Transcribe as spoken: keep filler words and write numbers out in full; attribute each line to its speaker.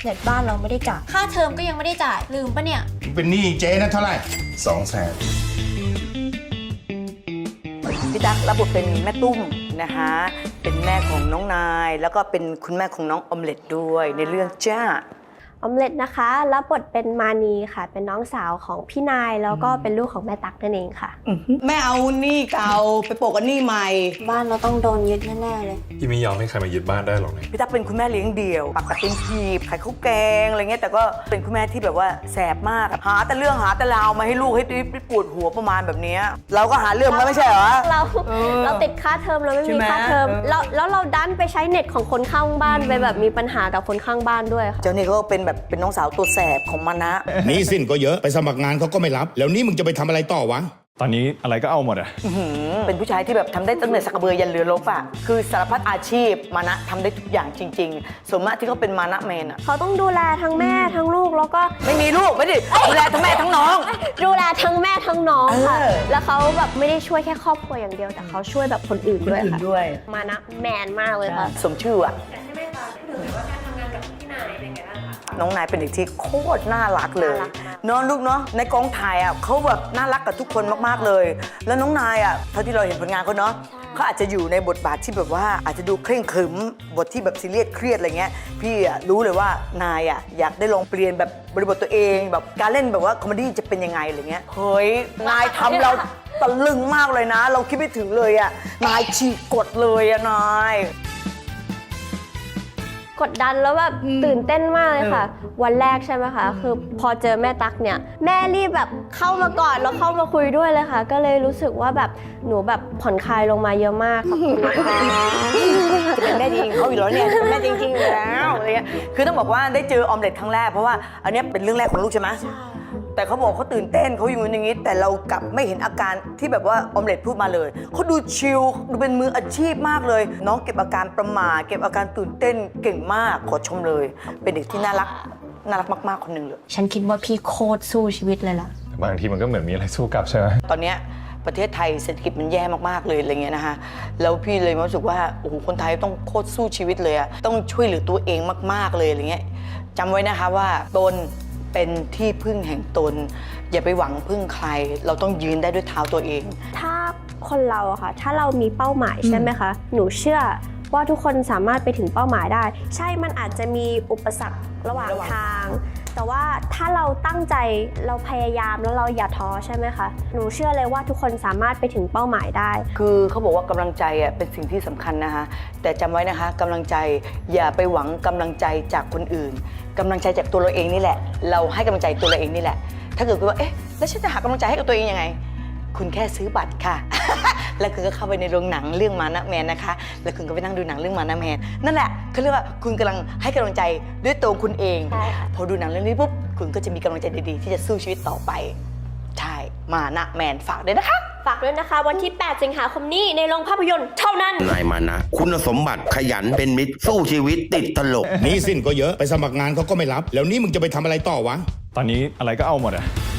Speaker 1: เน็ตบ้านเราไม่ได้จ่ายค่าเทอมก็ยังไม่ได้จ่ายลืมปะเนี่ย
Speaker 2: เป็นหนี้เจ๊นะเท่าไหร่สองแสน
Speaker 3: พี่ตั๊กรับบทเป็นแม่ตุ้มนะคะเป็นแม่ของน้องนายแล้วก็เป็นคุณแม่ของน้องออมเล็ตด้วยในเรื่องจ้า
Speaker 4: ออมเล็ตนะคะรับบทเป็นมานีค่ะเป็นน้องสาวของพี่นายแล้วก็เป็นลูกของแม่ตั๊กนั่นเองค่ะ
Speaker 3: แม่เอาหนี้เก่าไปโปะกับหนี้ใหม่
Speaker 1: บ้านเราต้องโดนยึดแน่ๆเลย
Speaker 5: พี่ไม่ยอมให้ใครมายึดบ้านได้หรอกนะ
Speaker 3: พี่ตั๊กเป็นคุณแม่เลี้ยงเดี่ยวปักกัดเป็นทีบขายข้าวแกงอะไรเงี้ยแต่ก็เป็นคุณแม่ที่แบบว่าแสบมากหาแต่เรื่องหาแต่ราวมาให้ลูกให้ปวดหัวประมาณแบบนี้เราก็หาเรื่องมาไม่ใช่เหรอ
Speaker 4: เราเราติดค่าเทอมเราไม่มีค่าเทอมแล้วแล้วเราดันไปใช้เน็ตของคนข้างบ้านไปแบบมีปัญหากับคนข้างบ้านด้วยค่ะ
Speaker 3: เจ้านี่ก็เป็นแบบเป็นน้องสาวตัวแสบของมันนะ
Speaker 2: นี่สิ้นก็เยอะไปสมัครงานเขาก็ไม่รับแล้วนี่มึงจะไปทำอะไรต่อวะ
Speaker 5: ตอนนี้อะไรก็เอาหมดอะ
Speaker 3: เป็นผู้ชายที่แบบทำได้ตั้งแต่สักกระเบือยันเรือรบอะคือสารพัดอาชีพมานะทำได้ทุกอย่างจริงๆส่วนมากที่เขาเป็นมานะแมนอะ
Speaker 4: เขาต้องดูแลทั้งแม่ทั้งลูกแล้วก็
Speaker 3: ไม่มีลูกไม่ดิดูแลทั้งแม่ทั้งน้อง
Speaker 4: ดูแลทั้งแม่ทั้งน้องค่ะแล้วเขาแบบไม่ได้ช่วยแค่ครอบครัวอย่างเดียวแต่เขาช่วยแบบคนอื่นด้วยค่ะมานะแมนมากเลยค่ะ
Speaker 3: สมชื่ออะใช่ไหมคะพี่หนูว่าการทำงานกับพี่นายเป็นไงบ้างคะน้องนายเป็นเด็กที่โคตรน่ารักเลยเนาะลูกเนาะในกองถ่ายอ่ะเขาแบบน่ารักกับทุกคนมากๆเลยแล้วน้องนายอ่ะเท่าที่เราเห็นผลงานเขาเนาะเขาอาจจะอยู่ในบทบาทที่แบบว่าอาจจะดูเคร่งขรึมบทที่แบบซีเรียสเครียดอะไรเงี้ยพี่อ่ะรู้เลยว่านายอ่ะอยากได้ลองเปลี่ยนแบบบริบทตัวเองแบบการเล่นแบบว่าคอมเมดี้จะเป็นยังไงอะไรเงี้ยเฮ้ยนายทำเราตะลึงมากเลยนะเราคิดไม่ถึงเลยอ่ะนายฉีกกฎเลยอ่ะนาย
Speaker 4: กดดันแล้วแบบตื่นเต้นมากเลยค่ะวันแรกใช่ไหมคะคือพอเจอแม่ตั๊กเนี่ยแม่รีบแบบเข้ามากอดแล้วเข้ามาคุยด้วยเลยค่ะก็เลยรู้สึกว่าแบบหนูแบบผ่อนคลายลงมาเยอะมากขอบคุณนะคะ
Speaker 3: จะเป็นแม่จริงเขาอยู่แล้วเนี่ยเป็นแม่จริงๆอยู่แล้วอะไรเงี้ยคือต้องบอกว่าได้เจอออมเล็ตครั้งแรกเพราะว่าอันนี้เป็นเรื่องแรกของลูกใช่ไหมแต่เขาบอกเขาตื่นเต้นเขาอยู่อย่างนี้แต่เรากลับไม่เห็นอาการที่แบบว่าออมเล็ตพูดมาเลยเขาดูชิลดูเป็นมืออาชีพมากเลยน้องเก็บอาการประหม่าเก็บอาการตื่นเต้นเก่งมากขอชมเลยเป็นเด็กที่น่ารักน่ารักมากๆคนหนึ่งเลย
Speaker 1: ฉันคิดว่าพี่โคตรสู้ชีวิตเลยล่ะ
Speaker 5: บางทีมันก็เหมือนมีอะไรสู้กลับใช่ไหม
Speaker 3: ตอนนี้ประเทศไทยเศรษฐกิจมันแย่มากๆเลยอะไรเงี้ยนะคะแล้วพี่เลยรู้สึกว่าโอ้โหคนไทยต้องโคตรสู้ชีวิตเลยอะต้องช่วยเหลือตัวเองมากๆเลยอะไรเงี้ยจำไว้นะคะว่าตนเป็นที่พึ่งแห่งตนอย่าไปหวังพึ่งใครเราต้องยืนได้ด้วยเท้าตัวเอง
Speaker 4: ถ้าคนเราอะค่ะถ้าเรามีเป้าหมายใช่ไหมคะหนูเชื่อว่าทุกคนสามารถไปถึงเป้าหมายได้ใช่มันอาจจะมีอุปสรรคระหว่างทางแต่ว่าถ้าเราตั้งใจเราพยายามแล้วเราอย่าท้อใช่ไหมคะหนูเชื่อเลยว่าทุกคนสามารถไปถึงเป้าหมายได้
Speaker 3: คือเขาบอกว่ากำลังใจอ่ะเป็นสิ่งที่สำคัญนะคะแต่จำไว้นะคะกำลังใจอย่าไปหวังกำลังใจจากคนอื่นกำลังใจจากตัวเราเองนี่แหละเราให้กำลังใจตัวเราเองนี่แหละถ้าเกิดว่าเอ๊ะแล้วฉันจะหากำลังใจให้กับตัวเองยังไงคุณแค่ซื้อบัตรค่ะ แล้วคุณก็เข้าไปในโรงหนังเรื่องมานะแมนนะคะแล้วคุณก็ไปนั่งดูหนังเรื่องมานะแมนนั่นแหละเขาเรียกว่าคุณกำลังให้กำลังใจด้วยตัวคุณเองพอดูหนังเรื่องนี้ปุ๊บคุณก็จะมีกำลังใจดีๆที่จะสู้ชีวิตต่อไปใช่มานะแมนฝากด้วยนะคะ
Speaker 4: ฝากด้วยนะคะวันที่แปดสิงหาคมนี้ในโรงภาพยนตร์เท่านั้น
Speaker 2: นายมานะคุณสมบัติขยันเป็นมิตรสู้ชีวิตติดตลกนี่สิ้นก็เยอะไปสมัครงานเขาก็ไม่รับแล้วนี่มึงจะไปทำอะไรต่อวะ
Speaker 5: ตอนนี้อะไรก็เอาหมดอะ